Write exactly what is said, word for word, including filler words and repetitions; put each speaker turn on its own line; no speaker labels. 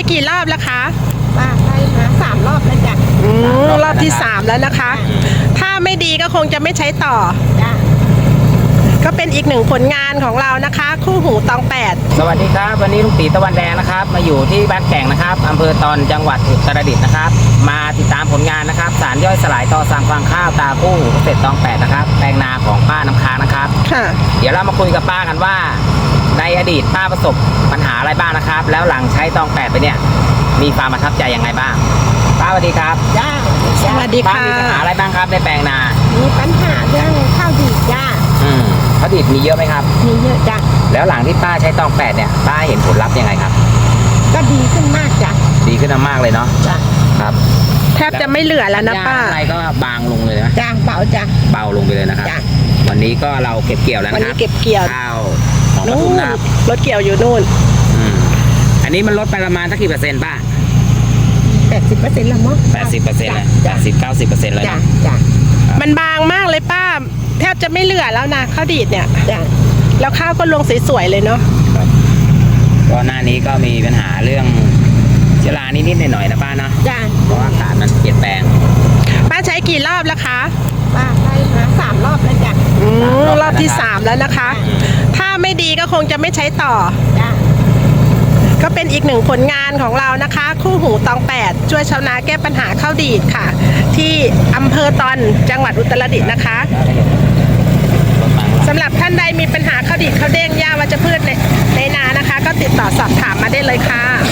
กี่รอบแล้วคะ
ป้าใช้มาสามรอบแล้วจ้ะ
อืมรอบที่สามแล้วนะคะ ถ้าไม่ดีก็คงจะไม่ใช้ต่อ
จ้ะ
ก็เป็นอีกหนึ่งผลงานของเรานะคะ คู่หูตองแปด
สวัสดีครับวันนี้ลุงตีตะวันแดงนะครับมาอยู่ที่บ้านแก่งนะครับอำเภอตอนจังหวัดอุตรดิตถ์นะครับมาติดตามผลงานนะครับสารย่อยสลายต่อสั่งฟางข้าวตาคู่หูเกษตรตองแปดนะครับแปลงนาของป้าน้ำค้างนะครับ
ค่ะ
เดี๋ยวเรามาคุยกับป้ากันว่าในอดีตป้าประสบปัญหาอะไรบ้างนะครับแล้วหลังใช้ตองแปดไปเนี่ยมีความประทับใจยังไงบ้างป้าสวัสดีครับ
จ้า
สวัสดีค่ะ
ป้ามีปัญหาอะไรบ้างครับในแปลงนา
มีปัญหาเรื่องข้าวดีจ้า
อืมข้าวดีมีเยอะไหมครับ
มีเยอะจ้ะ
แล้วหลังที่ป้าใช้ตองแปดเนี่ยป้าเห็นผลลัพธ์ยังไงครับ
ก็ดีขึ้นมากจ้ะ
ดีขึ้นมากเลยเนาะ
จ้ะ
ครับ
แทบจะไม่เหลือแล้วนะป้า
อะไรก็บางลงเลยนะ
จ้าเบาจ้ะ
เบาลงไปเลยนะครับวันนี้ก็เราเก็บเกี่ยวแล้วนะครับ
วันนี้เก็บเกี่ยว
ข้าวของปทุมนะครับ
รถเกี่ยวอยู่นู่น
อืมอันนี้มันลดไปประมาณสักกี่เปอร์เซ็นต์ป้า
แปดสิบเปอร์เซ็นต์ละมั้ง
แปดสิบเปอร์เซ็นต์เลยแปดสิบเก้าสิบเปอร์เซ็นต์เลย
จ้ะ
นะ
จ้ะ
มันบางมากเลยป้าแทบจะไม่เหลือแล้วนะข้าวดีดเนี่ย
จ้ะ
แล้วข้าวก็ลงสวยๆเลยเนาะ
ก็หน้านี้ก็มีปัญหาเรื่องเชื้อรานิดๆหน่อยๆนะป้าเนาะ
จ้ะ
เพราะว่าอากาศมันเปลี่ยนแปลง
ป้าใช้กี่รอบแล้วคะ
ป้าใช้มาสามรอบแล้วจ้ะ
อืมรอบที่สามแล้วนะคะ ถ้าไม่ดีก็คงจะไม่ใช้ต่อ
จ้ะ
ก็เป็นอีกหนึ่งผลงานของเรานะคะ คู่หูตองแปดช่วยชาวนาแก้ปัญหาข้าวดีดค่ะ ที่อำเภอตอนจังหวัดอุตรดิตถ์นะคะสำหรับท่านใดมีปัญหาข้าวดีดข้าวเด้งหญ้าวัชพืชในในนานะคะ ก็ติดต่อสอบถามมาได้เลยค่ะ